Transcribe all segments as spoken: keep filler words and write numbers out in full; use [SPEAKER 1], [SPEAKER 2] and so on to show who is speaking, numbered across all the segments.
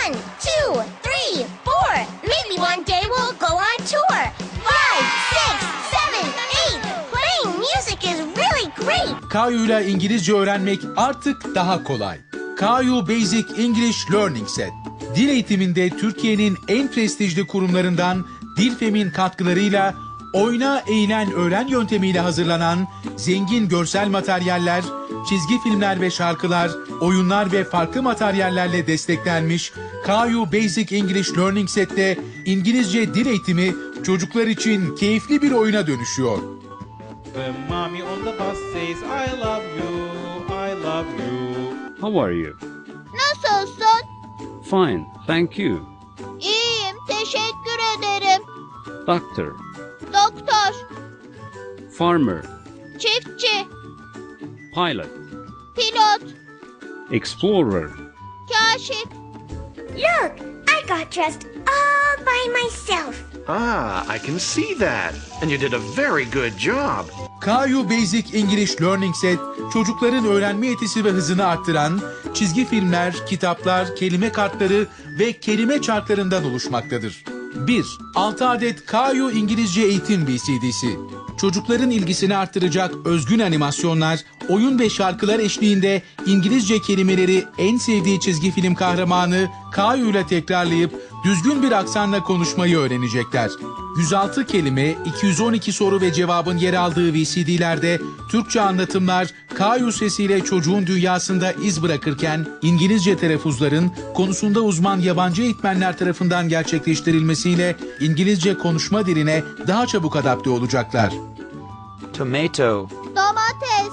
[SPEAKER 1] One, two, three, four. Maybe one day we'll go on tour. Five, six, seven, eight. Playing music is really great.
[SPEAKER 2] Kayu'yla İngilizce öğrenmek artık daha kolay. Kayu Basic English Learning Set. Dil eğitiminde Türkiye'nin en prestijli kurumlarından Dilfem'in katkılarıyla oyna, eğlen, öğren yöntemiyle hazırlanan zengin görsel materyaller, çizgi filmler ve şarkılar, oyunlar ve farklı materyallerle desteklenmiş Kayu Basic English Learning Set'te İngilizce dil eğitimi çocuklar için keyifli bir oyuna dönüşüyor.
[SPEAKER 3] When mommy on the bus says I love you, I love you.
[SPEAKER 4] How are you?
[SPEAKER 1] Nasılsın?
[SPEAKER 4] Fine, thank you.
[SPEAKER 1] İyiyim, teşekkür ederim.
[SPEAKER 4] Doctor,
[SPEAKER 1] Doktor,
[SPEAKER 4] farmer,
[SPEAKER 1] çiftçi,
[SPEAKER 4] pilot,
[SPEAKER 1] pilot,
[SPEAKER 4] explorer.
[SPEAKER 1] kaşif. Look, I got dressed all by myself.
[SPEAKER 5] Ah, I can see that. And you did a very good job.
[SPEAKER 2] Kayu Basic English Learning Set, çocukların öğrenme yetisi ve hızını arttıran çizgi filmler, kitaplar, kelime kartları ve kelime çarklarından oluşmaktadır. bir. altı adet Kayu İngilizce Eğitim V C D'si. Çocukların ilgisini arttıracak özgün animasyonlar, oyun ve şarkılar eşliğinde İngilizce kelimeleri en sevdiği çizgi film kahramanı Kayu ile tekrarlayıp düzgün bir aksanla konuşmayı öğrenecekler. yüz altı kelime, iki yüz on iki soru ve cevabın yer aldığı V C D'lerde Türkçe anlatımlar Kayu sesiyle çocuğun dünyasında iz bırakırken İngilizce telaffuzların konusunda uzman yabancı eğitmenler tarafından gerçekleştirilmesiyle İngilizce konuşma diline daha çabuk adapte olacaklar.
[SPEAKER 6] Tomato,
[SPEAKER 1] Domates,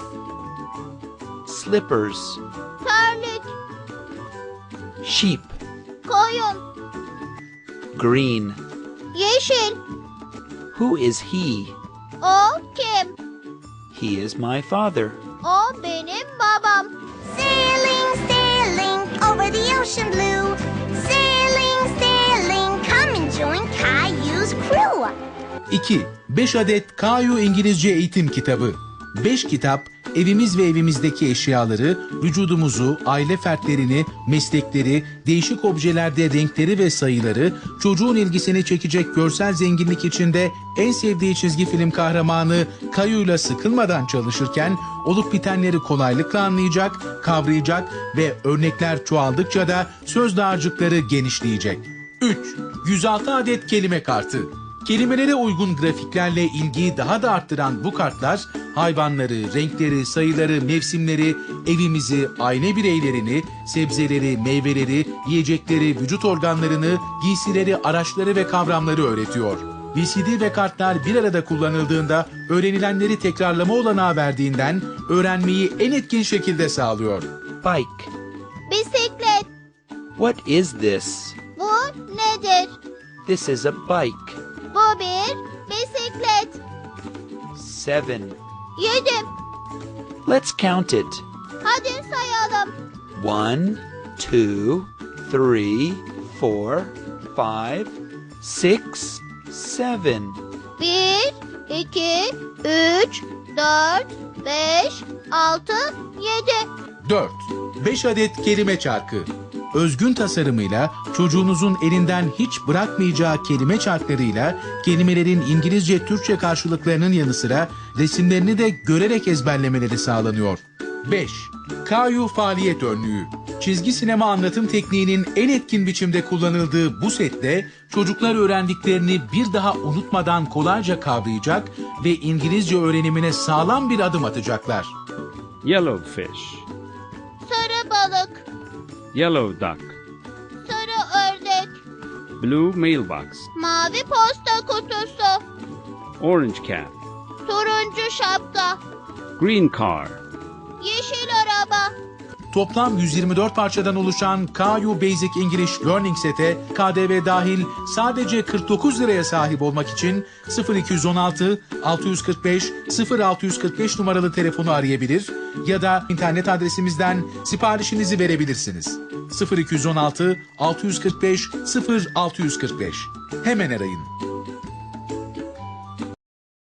[SPEAKER 6] slippers,
[SPEAKER 1] terlik,
[SPEAKER 6] sheep,
[SPEAKER 1] koyun,
[SPEAKER 6] green.
[SPEAKER 1] yeşil.
[SPEAKER 6] Who is he?
[SPEAKER 1] O kim?
[SPEAKER 6] He is my father.
[SPEAKER 1] O benim babam. Sailing, sailing over the ocean blue. Sailing, sailing, come and join Caillou's crew.
[SPEAKER 2] iki. beş adet Kayu İngilizce Eğitim Kitabı. beş kitap, evimiz ve evimizdeki eşyaları, vücudumuzu, aile fertlerini, meslekleri, değişik objelerde renkleri ve sayıları, çocuğun ilgisini çekecek görsel zenginlik içinde en sevdiği çizgi film kahramanı Kayu'yla sıkılmadan çalışırken olup bitenleri kolaylıkla anlayacak, kavrayacak ve örnekler çoğaldıkça da söz dağarcıkları genişleyecek. üç. yüz altı adet kelime kartı. Kelimelere uygun grafiklerle ilgiyi daha da arttıran bu kartlar, hayvanları, renkleri, sayıları, mevsimleri, evimizi, aile bireylerini, sebzeleri, meyveleri, yiyecekleri, vücut organlarını, giysileri, araçları ve kavramları öğretiyor. V C D ve kartlar bir arada kullanıldığında öğrenilenleri tekrarlama olanağı verdiğinden öğrenmeyi en etkin şekilde sağlıyor.
[SPEAKER 6] Bike.
[SPEAKER 1] Bisiklet.
[SPEAKER 6] What is this?
[SPEAKER 1] Bu nedir?
[SPEAKER 6] This is a bike.
[SPEAKER 1] Bu bir bisiklet.
[SPEAKER 6] Seven.
[SPEAKER 1] Yedim.
[SPEAKER 6] Let's count it.
[SPEAKER 1] Hadi sayalım.
[SPEAKER 6] One, two, three, four, five, six, seven.
[SPEAKER 1] Bir, iki, üç, dört, beş, altı, yedi.
[SPEAKER 2] dört. beş adet kelime çarkı. Özgün tasarımıyla çocuğunuzun elinden hiç bırakmayacağı kelime çarklarıyla kelimelerin İngilizce, Türkçe karşılıklarının yanı sıra resimlerini de görerek ezberlemeleri sağlanıyor. beş. Kayu Faaliyet Önlüğü. Çizgi sinema anlatım tekniğinin en etkin biçimde kullanıldığı bu sette çocuklar öğrendiklerini bir daha unutmadan kolayca kavrayacak ve İngilizce öğrenimine sağlam bir adım atacaklar.
[SPEAKER 4] Yellow fish,
[SPEAKER 1] Sarı balık,
[SPEAKER 4] yellow duck,
[SPEAKER 1] sarı ördek,
[SPEAKER 4] blue mailbox,
[SPEAKER 1] mavi posta kutusu,
[SPEAKER 4] orange cat,
[SPEAKER 1] turuncu şapka,
[SPEAKER 4] green car.
[SPEAKER 1] yeşil araba.
[SPEAKER 2] Toplam yüz yirmi dört parçadan oluşan Kayu Basic English Learning Set'e K D V dahil sadece kırk dokuz liraya sahip olmak için sıfır iki on altı altı yüz kırk beş sıfır altı yüz kırk beş numaralı telefonu arayabilir ya da internet adresimizden siparişinizi verebilirsiniz. sıfır iki on altı altı yüz kırk beş sıfır altı yüz kırk beş. Hemen arayın.